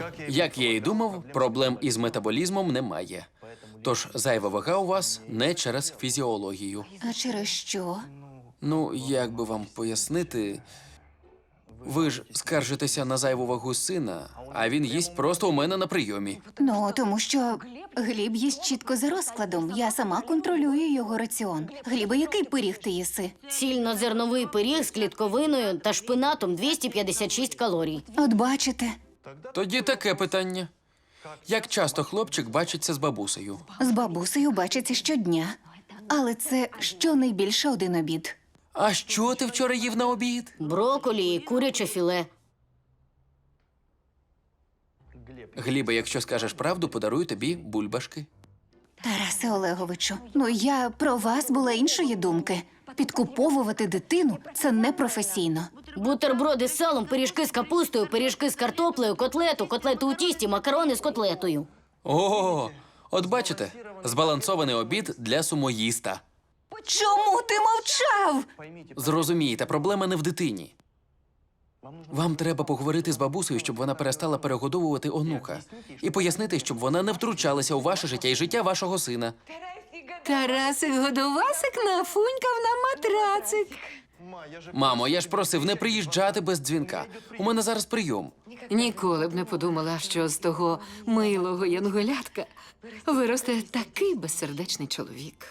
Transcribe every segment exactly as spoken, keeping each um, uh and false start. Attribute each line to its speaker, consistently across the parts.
Speaker 1: Як я і думав, проблем із метаболізмом немає. Тож зайва вага у вас не через фізіологію.
Speaker 2: А через що?
Speaker 1: Ну, як би вам пояснити, ви ж скаржитеся на зайву вагу сина, а він їсть просто у мене на прийомі.
Speaker 2: Ну, тому що Гліб їсть чітко за розкладом. Я сама контролюю його раціон. Глібе, який пиріг ти їси?
Speaker 3: Цільнозерновий пиріг з клітковиною та шпинатом двісті п'ятдесят шість калорій.
Speaker 2: От бачите,
Speaker 1: Тоді таке питання. Як часто хлопчик бачиться з бабусею?
Speaker 2: з бабусею бачиться щодня. Але це щонайбільше один обід.
Speaker 1: А що ти вчора їв на обід?
Speaker 3: Броколі і куряче філе.
Speaker 1: Глібе, якщо скажеш правду, подарую тобі бульбашки.
Speaker 2: Тарасе Олеговичу, ну я про вас була іншої думки. Підкуповувати дитину – це непрофесійно.
Speaker 3: Бутерброди з салом, пиріжки з капустою, пиріжки з картоплею, котлету, котлету у тісті, макарони з котлетою.
Speaker 1: О, от бачите, збалансований обід для сумоїста.
Speaker 2: Чому ти мовчав?
Speaker 1: Зрозумієте, проблема не в дитині. Вам треба поговорити з бабусею, щоб вона перестала перегодовувати онука. І пояснити, щоб вона не втручалася у ваше життя і життя вашого сина.
Speaker 4: Тарасик Годовасик нафунькав на матрацик.
Speaker 1: Мамо, я ж просив не приїжджати без дзвінка. У мене зараз прийом.
Speaker 4: Ніколи б не подумала, що з того милого янголятка виросте такий безсердечний чоловік.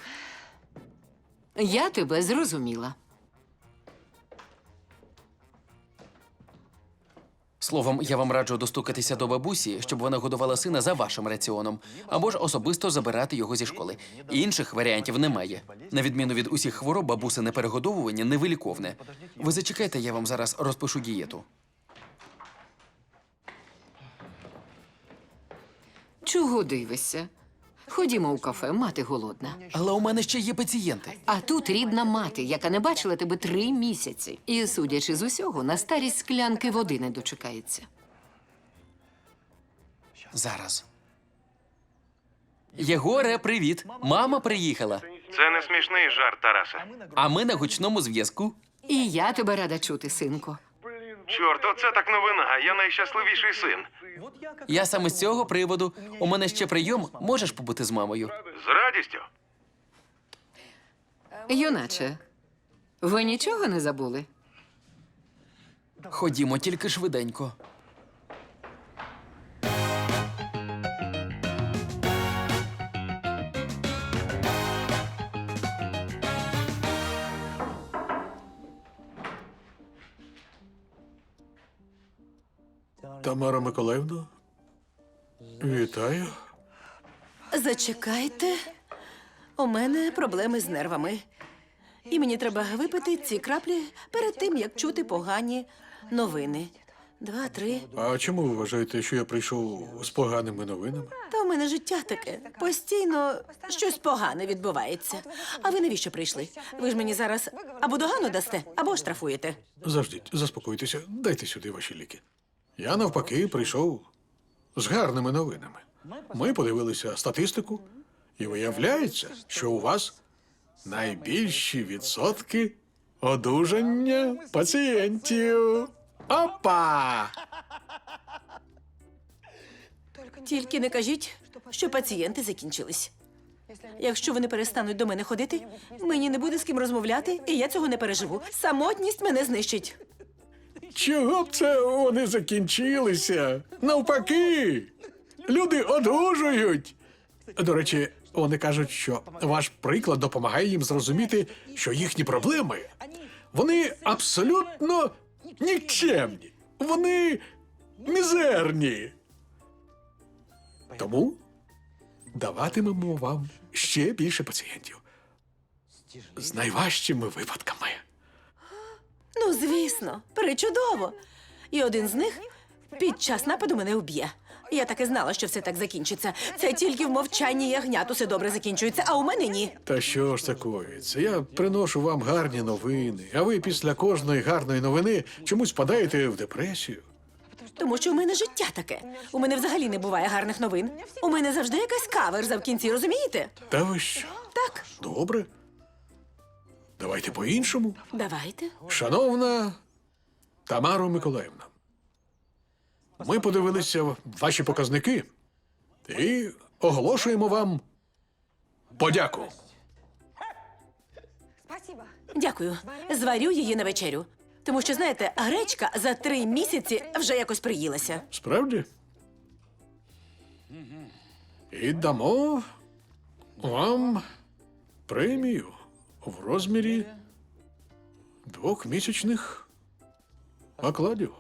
Speaker 4: Я тебе зрозуміла.
Speaker 1: Словом, я вам раджу достукатися до бабусі, щоб вона годувала сина за вашим раціоном, або ж особисто забирати його зі школи. Інших варіантів немає. На відміну від усіх хвороб, бабусине перегодовування невиліковне. Ви зачекайте, я вам зараз розпишу дієту.
Speaker 4: Чого дивишся? Ходімо у кафе, мати голодна.
Speaker 1: Але у мене ще є пацієнти.
Speaker 4: А тут рідна мати, яка не бачила тебе три місяці. І, судячи з усього, на старість склянки води не дочекається.
Speaker 1: Зараз. Єгоре, привіт. Мама приїхала.
Speaker 5: Це не смішний жарт, Тарасе.
Speaker 1: А ми на гучному зв'язку.
Speaker 4: І я тебе рада чути, синко.
Speaker 5: Чорт, оце так новина. Я найщасливіший син.
Speaker 1: Я саме з цього приводу. У мене ще прийом. Можеш побути з мамою?
Speaker 5: З радістю.
Speaker 4: Юначе, ви нічого не забули?
Speaker 1: Ходімо, тільки швиденько.
Speaker 6: Тамара Миколаївна, вітаю.
Speaker 7: Зачекайте. У мене проблеми з нервами. І мені треба випити ці краплі перед тим, як чути погані новини. Два, три.
Speaker 6: А чому ви вважаєте, що я прийшов з поганими новинами?
Speaker 7: Та у мене життя таке. Постійно щось погане відбувається. А ви навіщо прийшли? Ви ж мені зараз або догану дасте, або штрафуєте.
Speaker 6: Завждіть, заспокойтеся, дайте сюди ваші ліки. Я, навпаки, прийшов з гарними новинами. Ми подивилися статистику, і виявляється, що у вас найбільші відсотки одужання пацієнтів. Опа!
Speaker 7: Тільки не кажіть, що пацієнти закінчились. Якщо вони перестануть до мене ходити, мені не буде з ким розмовляти, і я цього не переживу. Самотність мене знищить.
Speaker 6: Чого б це вони закінчилися? Навпаки, люди одужують. До речі, вони кажуть, що ваш приклад допомагає їм зрозуміти, що їхні проблеми, вони абсолютно нікчемні. Вони мізерні. Тому даватимемо вам ще більше пацієнтів з найважчими випадками.
Speaker 7: Ну, звісно, причудово. І один з них під час нападу мене вб'є. Я так і знала, що все так закінчиться. Це тільки в мовчанні ягнят усе добре закінчується, а у мене ні.
Speaker 6: Та що ж це коїться? Я приношу вам гарні новини, а ви після кожної гарної новини чомусь впадаєте в депресію.
Speaker 7: Тому що у мене життя таке. У мене взагалі не буває гарних новин. У мене завжди якась каверза в кінці, розумієте?
Speaker 6: Та ви що?
Speaker 7: Так,
Speaker 6: Добре. Давайте по-іншому.
Speaker 7: давайте.
Speaker 6: Шановна Тамаро Миколаївна, Ми подивилися ваші показники і оголошуємо вам подяку.
Speaker 7: Дякую. Зварю її на вечерю. Тому що, знаєте, гречка за три місяці вже якось приїлася.
Speaker 6: Справді? І дамо вам премію в розмірі двохмісячних окладів.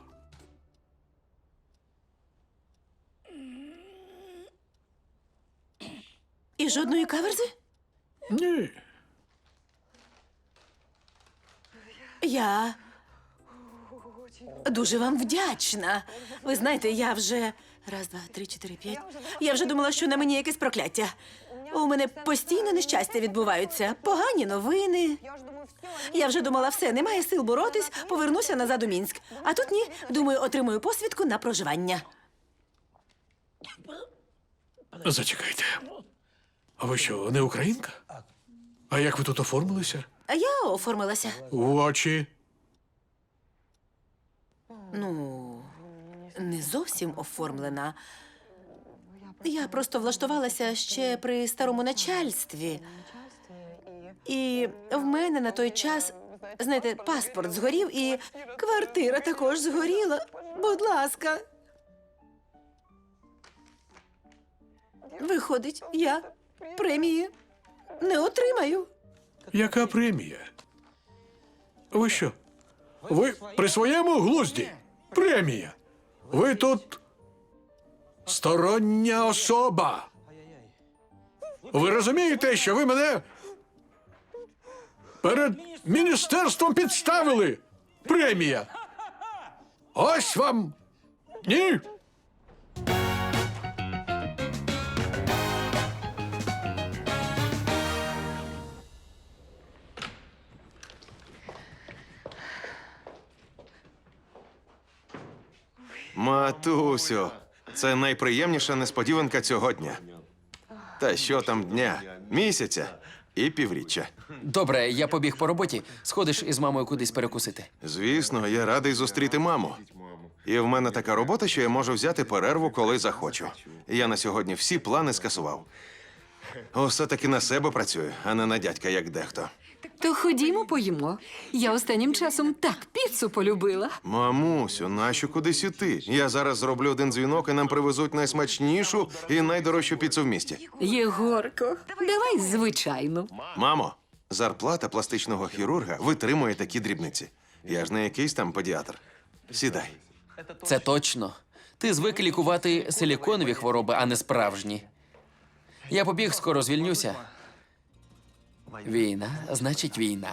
Speaker 7: І жодної каверзи?
Speaker 6: Ні.
Speaker 7: Я дуже вам вдячна. Ви знаєте, я вже раз, два, три, чотири, п'ять. Я вже думала, що на мені якесь прокляття. У мене постійно нещастя відбуваються, погані новини. Я вже думала, все, немає сил боротись, повернуся назад у Мінськ. А тут ні, думаю, отримую посвідку на проживання.
Speaker 6: Зачекайте. А ви що, не українка? А як ви тут оформилися?
Speaker 7: А я оформилася.
Speaker 6: В очі.
Speaker 7: Ну, не зовсім оформлена. Я просто влаштувалася ще при старому начальстві. І в мене на той час, знаєте, паспорт згорів і квартира також згоріла. Будь ласка. Виходить, я премії не отримаю.
Speaker 6: Яка премія? Ви що? Ви при своєму глузді? Премія. Ви тут стороння особа. Ви розумієте, що ви мене перед міністерством підставили? Премія. Ось вам. Ні?
Speaker 5: Матусю, це найприємніша несподіванка цього дня. Та що там дня, місяця і півріччя.
Speaker 1: Добре, я побіг по роботі. Сходиш із мамою кудись перекусити.
Speaker 5: Звісно, я радий зустріти маму. І в мене така робота, що я можу взяти перерву, коли захочу. Я на сьогодні всі плани скасував. Усе-таки на себе працюю, а не на дядька, як дехто.
Speaker 4: То ходімо поїмо. Я останнім часом так піцу полюбила.
Speaker 5: Мамусю, нащо кудись іти? Я зараз зроблю один дзвінок і нам привезуть найсмачнішу і найдорожчу піцу в місті.
Speaker 4: Єгорко, давай звичайну.
Speaker 5: Мамо, зарплата пластичного хірурга витримує такі дрібниці. Я ж не якийсь там педіатр. Сідай.
Speaker 1: Це точно. Ти звик лікувати силіконові хвороби, а не справжні. Я побіг, скоро звільнюся. Війна, значить війна.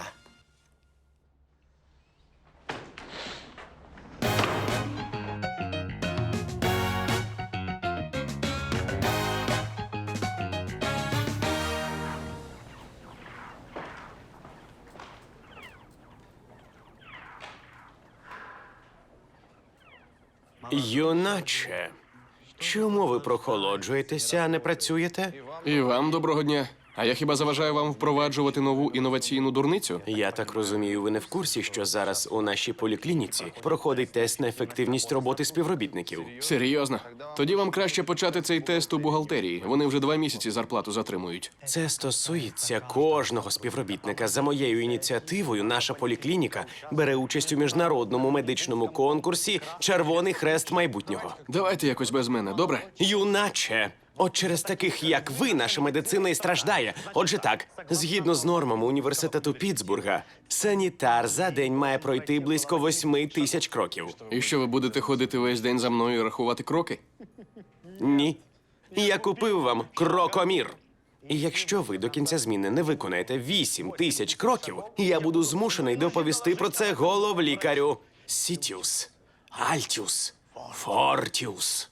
Speaker 8: Юначе, чому ви прохолоджуєтеся, а не працюєте?
Speaker 9: І вам доброго дня. А я хіба заважаю вам впроваджувати нову інноваційну дурницю?
Speaker 8: Я так розумію, ви не в курсі, що зараз у нашій поліклініці проходить тест на ефективність роботи співробітників.
Speaker 9: Серйозно? Тоді вам краще почати цей тест у бухгалтерії. Вони вже два місяці зарплату затримують.
Speaker 8: Це стосується кожного співробітника. За моєю ініціативою, наша поліклініка бере участь у міжнародному медичному конкурсі «Червоний хрест майбутнього».
Speaker 9: Давайте якось без мене, добре?
Speaker 8: Юначе! От через таких, як ви, наша медицина і страждає. Отже так, згідно з нормами університету Піттсбурга, санітар за день має пройти близько восьми тисяч кроків.
Speaker 9: І що, ви будете ходити весь день за мною і рахувати кроки?
Speaker 8: Ні. Я купив вам крокомір. І якщо ви до кінця зміни не виконаєте вісім тисяч кроків, я буду змушений доповісти про це головлікарю. Сітіус, Альтіус, Фортіус.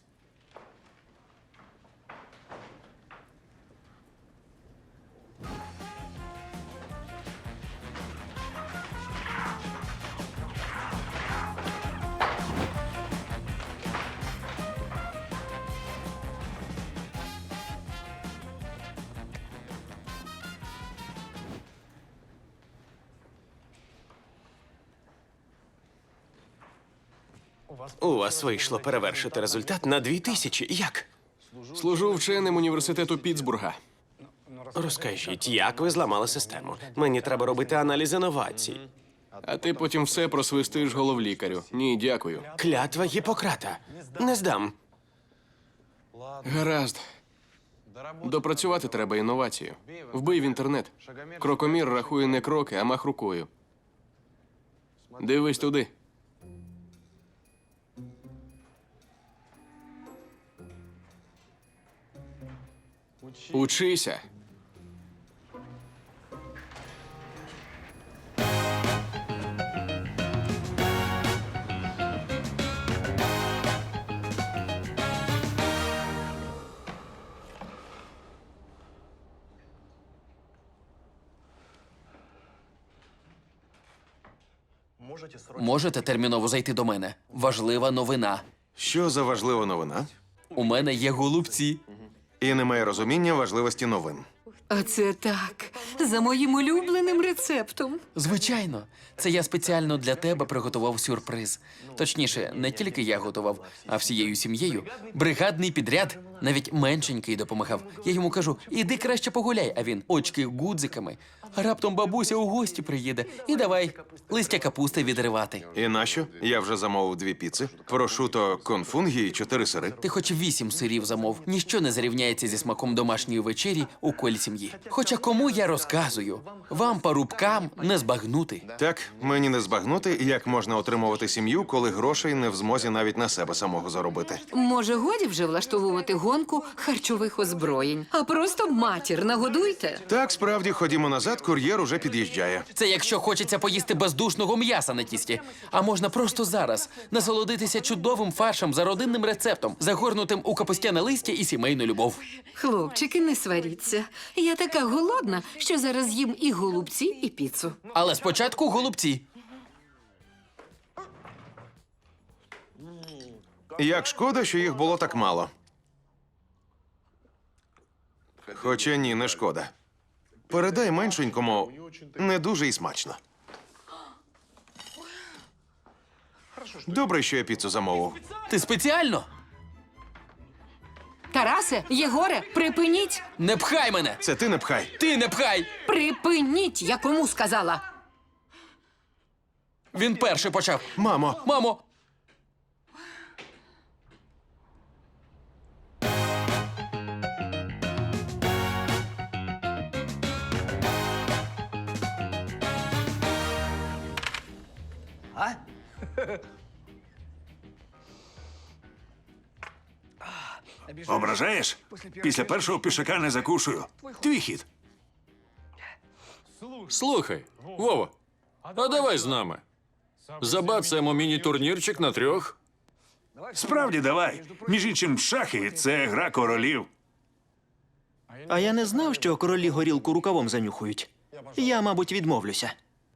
Speaker 8: У вас вийшло перевершити результат на дві тисячі. Як?
Speaker 9: Служу вченим університету Пітсбурга.
Speaker 8: Розкажіть, як ви зламали систему? Мені треба робити аналіз інновацій.
Speaker 9: А ти потім все просвистиш головлікарю. Ні, дякую.
Speaker 8: Клятва Гіппократа. Не здам.
Speaker 9: Гаразд. Допрацювати треба інновацію. Вбий в інтернет. Крокомір рахує не кроки, а мах рукою. Дивись туди. Учися.
Speaker 1: Можете терміново зайти до мене? Важлива новина.
Speaker 5: Що за важлива новина?
Speaker 1: У мене є голубці.
Speaker 5: І немає розуміння важливості новин.
Speaker 4: Оце так. За моїм улюбленим рецептом.
Speaker 1: Звичайно, це я спеціально для тебе приготував сюрприз. Точніше, не тільки я готував, а всією сім'єю. Бригадний підряд, навіть меншенький допомагав. Я йому кажу, іди краще погуляй, а він очки гудзиками. А раптом бабуся у гості приїде. І давай листя капусти відривати.
Speaker 5: І нащо? Я вже замовив дві піци, прошуто конфунгі і чотири сири.
Speaker 1: Ти хоч вісім сирів замов. Ніщо не зарівняється зі смаком домашньої вечері у колі сім'ї. Хоча кому я розказую? Вам, парубкам, не збагнути.
Speaker 5: Так, мені не збагнути, як можна отримувати сім'ю, коли грошей не в змозі навіть на себе самого заробити.
Speaker 4: Може, годі вже влаштовувати гонку харчових озброєнь, а просто матір нагодуйте.
Speaker 5: Так, справді, ходімо назад, кур'єр уже під'їжджає.
Speaker 1: Це якщо хочеться поїсти бездушного м'яса на тісті. А можна просто зараз насолодитися чудовим фаршем за родинним рецептом, загорнутим у капустяне листя і сімейну любов.
Speaker 4: Хлопчики, не сваріться. Я така голодна, що зараз їм і голубці, і піцу.
Speaker 1: Але спочатку голубці.
Speaker 5: Як шкода, що їх було так мало. Хоча ні, не шкода. Передай меншенькому, не дуже і смачно. Добре, що я піцу замовив.
Speaker 1: Ти спеціально?
Speaker 4: Тарасе, Єгоре, припиніть!
Speaker 1: Не пхай мене!
Speaker 5: Це ти не пхай.
Speaker 1: Ти не пхай!
Speaker 4: Припиніть, я кому сказала.
Speaker 1: Він перший почав.
Speaker 5: Мамо,
Speaker 1: Мамо!
Speaker 10: Ображаєш? Після першого пішака не закушую. Твій хід.
Speaker 11: Слухай, Вова, а давай з нами. Забацаємо міні-турнірчик на трьох.
Speaker 10: Справді, давай. Між іншим, шахи – це гра королів.
Speaker 12: А я не знав, що королі горілку рукавом занюхують. Я, мабуть, відмовлюся.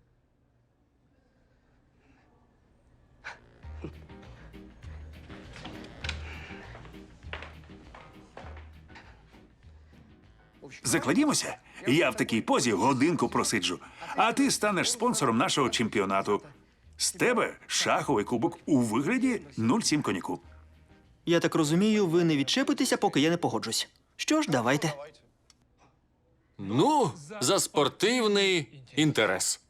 Speaker 10: Закладімося. Я в такій позі годинку просиджу, а ти станеш спонсором нашого чемпіонату. З тебе шаховий кубок у вигляді нуль сім коньяку.
Speaker 12: Я так розумію, ви не відчепитеся, поки я не погоджусь. Що ж, давайте.
Speaker 11: Ну, за спортивний інтерес.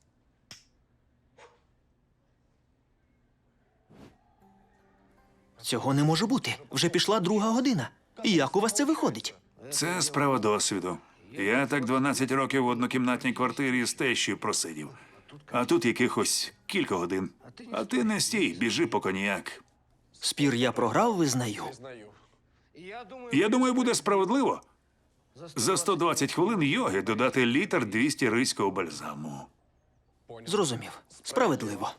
Speaker 12: Цього не може бути. Вже пішла друга година. Як у вас це виходить?
Speaker 10: Це справа досвіду. Я так дванадцять років в однокімнатній квартирі з тещою просидів. А тут якихось кілька годин. А ти не стій, біжи по коньяк.
Speaker 12: Спір я програв, визнаю.
Speaker 10: Я думаю, буде справедливо. За сто двадцять хвилин йоги додати літр двісті ризького бальзаму.
Speaker 12: Зрозумів. Справедливо.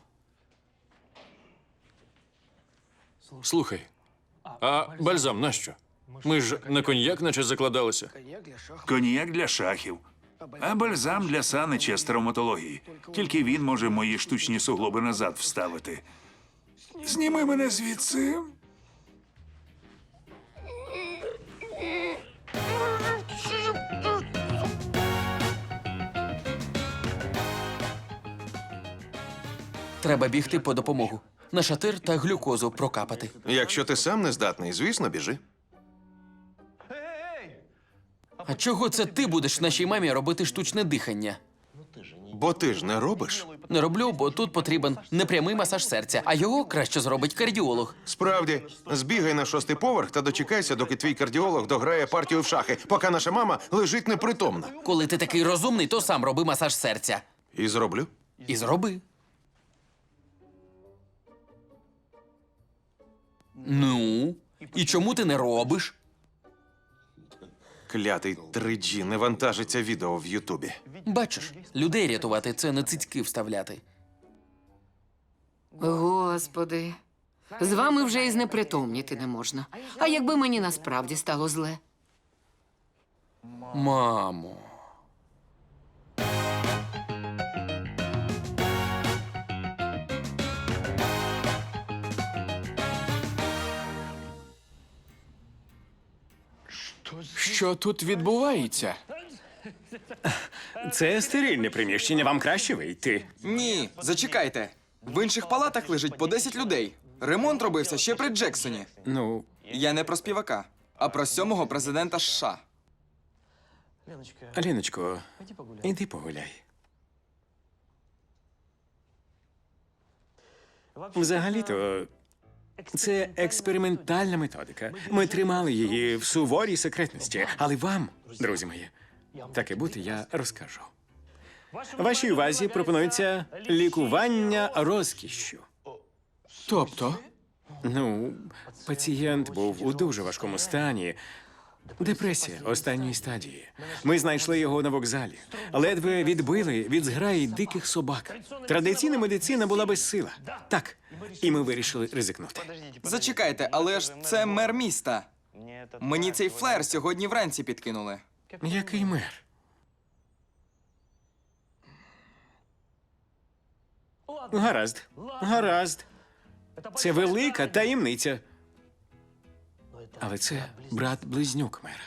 Speaker 11: Слухай, а бальзам нащо? Ми ж на коньяк наче закладалися.
Speaker 10: Коньяк для шахів, а бальзам для санича з травматології. Тільки він може мої штучні суглоби назад вставити. Зніми мене звідси.
Speaker 1: Треба бігти по допомогу. на шатир та глюкозу прокапати.
Speaker 5: Якщо ти сам не здатний, звісно, біжи.
Speaker 1: А чого це ти будеш нашій мамі робити штучне дихання?
Speaker 5: Бо ти ж не робиш.
Speaker 1: Не роблю, бо тут потрібен непрямий масаж серця, а його краще зробить кардіолог.
Speaker 5: Справді, збігай на шостий поверх та дочекайся, доки твій кардіолог дограє партію в шахи, поки наша мама лежить непритомна.
Speaker 1: Коли ти такий розумний, то сам роби масаж серця.
Speaker 5: І зроблю.
Speaker 1: І зроби. Ну, і чому ти не робиш?
Speaker 5: Клятий три джі не вантажиться відео в Ютубі.
Speaker 1: Бачиш, людей рятувати – це не цицьки вставляти.
Speaker 4: Господи, з вами вже і знепритомніти не можна. А якби мені насправді стало зле?
Speaker 1: Мамо.
Speaker 9: Що тут відбувається?
Speaker 8: Це стерильне приміщення, вам краще вийти.
Speaker 13: Ні, зачекайте. В інших палатах лежить по десять людей. Ремонт робився ще при Джексоні.
Speaker 8: Ну,
Speaker 13: Я не про співака, а про сьомого президента США.
Speaker 8: Аліночко, іди погуляй. Взагалі-то, це експериментальна методика. Ми тримали її в суворій секретності. Але вам, друзі мої, таке бути я розкажу. Вашій увазі пропонується лікування розкішшю.
Speaker 9: Тобто?
Speaker 8: Ну, пацієнт був у дуже важкому стані. Депресія останньої стадії. Ми знайшли його на вокзалі. Ледве відбили від зграї диких собак. Традиційна медицина була безсила. Так, і ми вирішили ризикнути.
Speaker 13: Зачекайте, але ж це мер міста. Мені цей флер сьогодні вранці підкинули.
Speaker 8: Який мер? Гаразд, гаразд. Це велика таємниця. Але це брат-близнюк мера.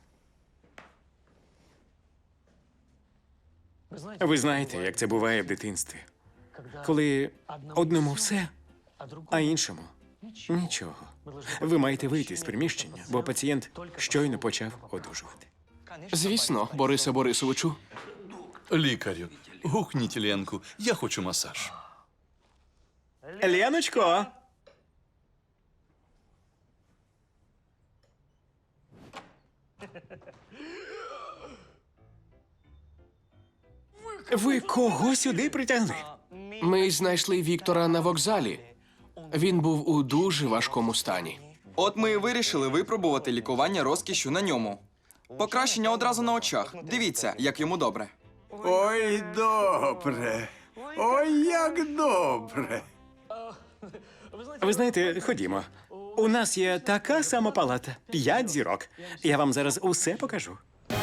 Speaker 8: Ви знаєте, як це буває в дитинстві. Коли одному все, а іншому нічого. Ви маєте вийти з приміщення, бо пацієнт щойно почав одужувати.
Speaker 9: Звісно, Борисе Борисовичу.
Speaker 14: Лікарю, гукніть Ленку, я хочу масаж.
Speaker 8: Леночко! Ви кого сюди притягли?
Speaker 9: Ми знайшли Віктора на вокзалі. Він був у дуже важкому стані.
Speaker 13: От ми і вирішили випробувати лікування розкішю на ньому. Покращення одразу на очах. Дивіться, як йому добре.
Speaker 10: Ой, добре. Ой, як добре.
Speaker 8: Ви знаєте, ходімо. У нас є така сама палата. П'ять зірок. Я вам зараз усе покажу.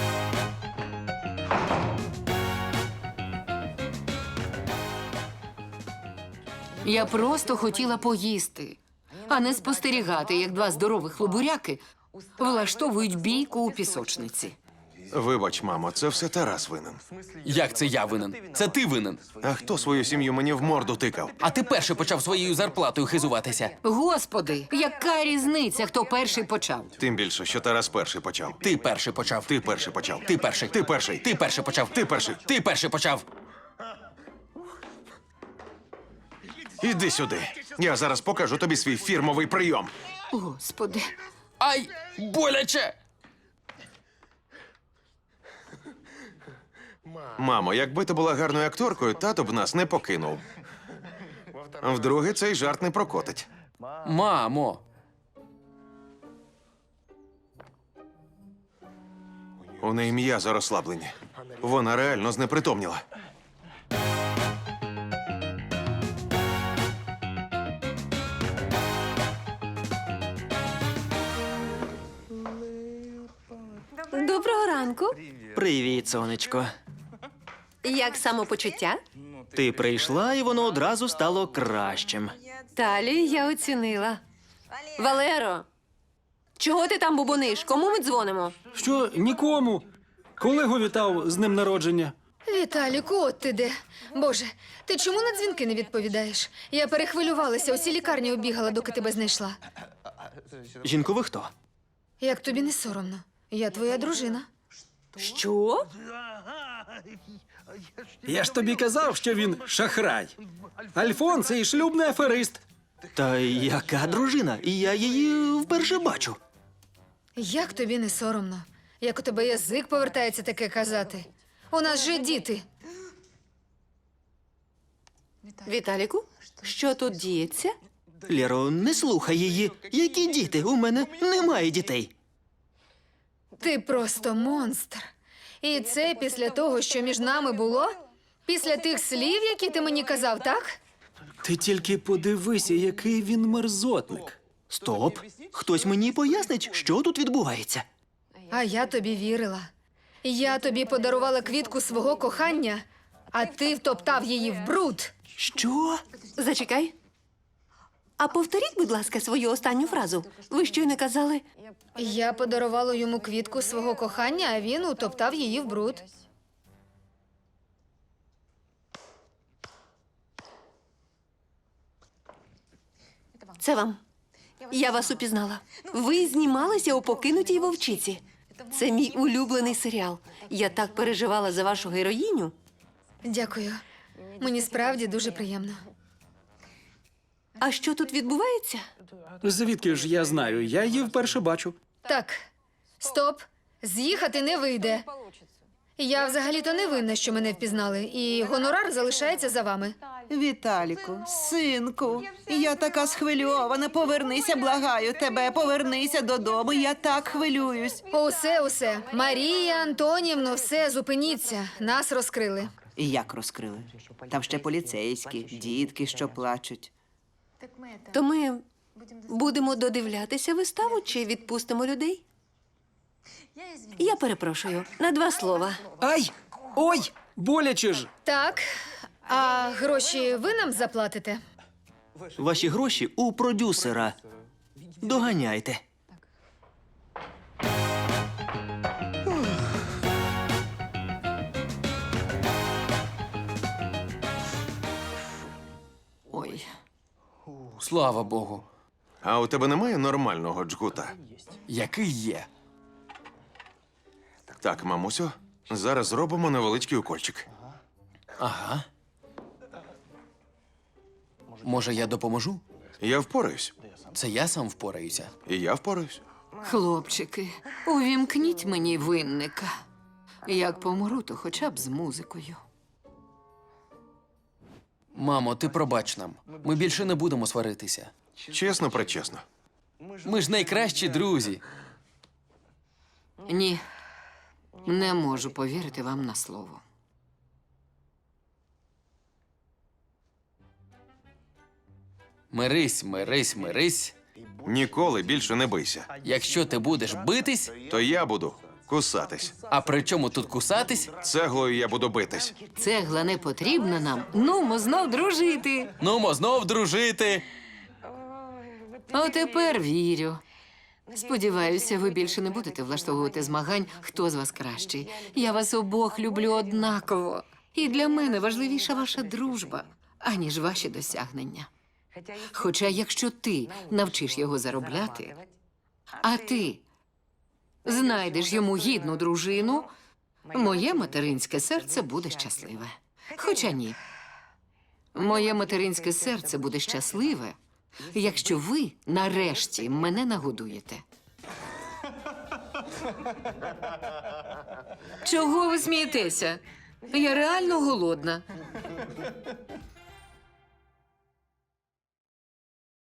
Speaker 4: Я просто хотіла поїсти, а не спостерігати, як два здорових лобуряки влаштовують бійку у пісочниці.
Speaker 5: Вибач, мамо, це все Тарас винен.
Speaker 1: Як це я винен? Це ти винен.
Speaker 5: А хто свою сім'ю мені в морду тикав?
Speaker 1: А ти перший почав своєю зарплатою хизуватися.
Speaker 4: Господи, яка різниця, хто перший почав?
Speaker 5: Тим більше, що Тарас перший почав.
Speaker 1: Ти перший почав.
Speaker 5: Ти перший почав.
Speaker 1: Ти перший.
Speaker 5: Ти перший.
Speaker 1: Ти перший почав.
Speaker 5: Ти перший.
Speaker 1: Ти перший почав.
Speaker 5: Іди сюди. Я зараз покажу тобі свій фірмовий прийом.
Speaker 4: Господи.
Speaker 1: Ай, боляче!
Speaker 5: Мамо, якби ти була гарною акторкою, тато б нас не покинув. Вдруге, цей жарт не прокотить.
Speaker 1: Мамо.
Speaker 5: У неї м'язо розслаблені. Вона реально знепритомніла.
Speaker 7: Доброго ранку.
Speaker 12: Привіт, сонечко.
Speaker 7: Як самопочуття?
Speaker 12: Ти прийшла, і воно одразу стало кращим.
Speaker 7: Талі я оцінила. Валеро, чого ти там бубониш? Кому ми дзвонимо?
Speaker 15: Що нікому. Колегу вітав з днем народження. Віталіку, от ти де. Боже, ти чому на дзвінки не відповідаєш? Я перехвилювалася, усі лікарні обігала, доки тебе знайшла.
Speaker 12: Жінко, ви хто?
Speaker 15: Як тобі не соромно? Я твоя дружина.
Speaker 7: Що?
Speaker 16: Я ж тобі казав, що він шахрай. Альфон – це і шлюбний аферист.
Speaker 12: Та яка дружина? І я її вперше бачу.
Speaker 15: Як тобі не соромно? Як у тебе язик повертається таке казати? У нас же діти.
Speaker 7: Віталіку, що тут діється?
Speaker 12: Лєро, не слухай її. Які діти? У мене немає дітей.
Speaker 15: Ти просто монстр. І це після того, що між нами було? Після тих слів, які ти мені казав, так?
Speaker 16: Ти тільки подивися, який він мерзотник.
Speaker 12: Стоп. Хтось мені пояснить, що тут відбувається.
Speaker 15: А я тобі вірила. Я тобі подарувала квітку свого кохання, а ти втоптав її в бруд.
Speaker 12: Що?
Speaker 7: Зачекай. А повторіть, будь ласка, свою останню фразу. Ви щойно казали.
Speaker 15: Я подарувала йому квітку свого кохання, а він утоптав її в бруд.
Speaker 7: Це вам. Я вас упізнала. Ви знімалися у покинутій вовчиці. Це мій улюблений серіал. Я так переживала за вашу героїню.
Speaker 15: Дякую. Мені справді дуже приємно.
Speaker 7: А що тут відбувається?
Speaker 16: Звідки ж я знаю? Я її вперше бачу.
Speaker 15: Так, стоп. З'їхати не вийде. Я взагалі-то не винна, що мене впізнали, і гонорар залишається за вами.
Speaker 17: Віталіку, синку, я така схвильована. Повернися, благаю тебе, повернися додому. Я так хвилююсь.
Speaker 15: Усе, усе. Марія Антонівно, все, зупиніться. Нас розкрили.
Speaker 17: І як розкрили? Там ще поліцейські, дітки, що плачуть.
Speaker 7: То ми будемо додивлятися виставу чи відпустимо людей? Я перепрошую, на два слова.
Speaker 16: Ай! Ой! Боляче ж!
Speaker 15: Так, а гроші ви нам заплатите?
Speaker 12: Ваші гроші у продюсера. Доганяйте.
Speaker 4: Ой.
Speaker 1: Слава Богу.
Speaker 5: А у тебе немає нормального джгута?
Speaker 1: Який є?
Speaker 5: Так, мамусю, зараз зробимо невеличкий укольчик.
Speaker 1: Ага. Може, я допоможу?
Speaker 5: Я впораюсь.
Speaker 1: Це я сам впораюся.
Speaker 5: І я впораюсь.
Speaker 4: Хлопчики, увімкніть мені винника. Як помру, то хоча б з музикою.
Speaker 1: Мамо, ти пробач нам. Ми більше не будемо сваритися.
Speaker 5: Чесно, пречесно.
Speaker 1: Ми ж найкращі друзі.
Speaker 4: Ні, не можу повірити вам на слово.
Speaker 1: Мирись, мирись, мирись.
Speaker 5: Ніколи більше не бийся.
Speaker 1: Якщо ти будеш битись,
Speaker 5: То я буду кусатись.
Speaker 1: а при чому тут кусатись?
Speaker 5: Цеглою я буду битись.
Speaker 4: Цегла не потрібна нам. Нумо знов дружити.
Speaker 1: Нумо знов дружити.
Speaker 4: Отепер вірю. Сподіваюся, ви більше не будете влаштовувати змагань, хто з вас кращий. Я вас обох люблю однаково. І для мене важливіша ваша дружба, аніж ваші досягнення. Хоча якщо ти навчиш його заробляти, а ти знайдеш йому гідну дружину, моє материнське серце буде щасливе. Хоча ні. Моє материнське серце буде щасливе, якщо ви нарешті мене нагодуєте. Чого ви смієтеся? Я реально голодна.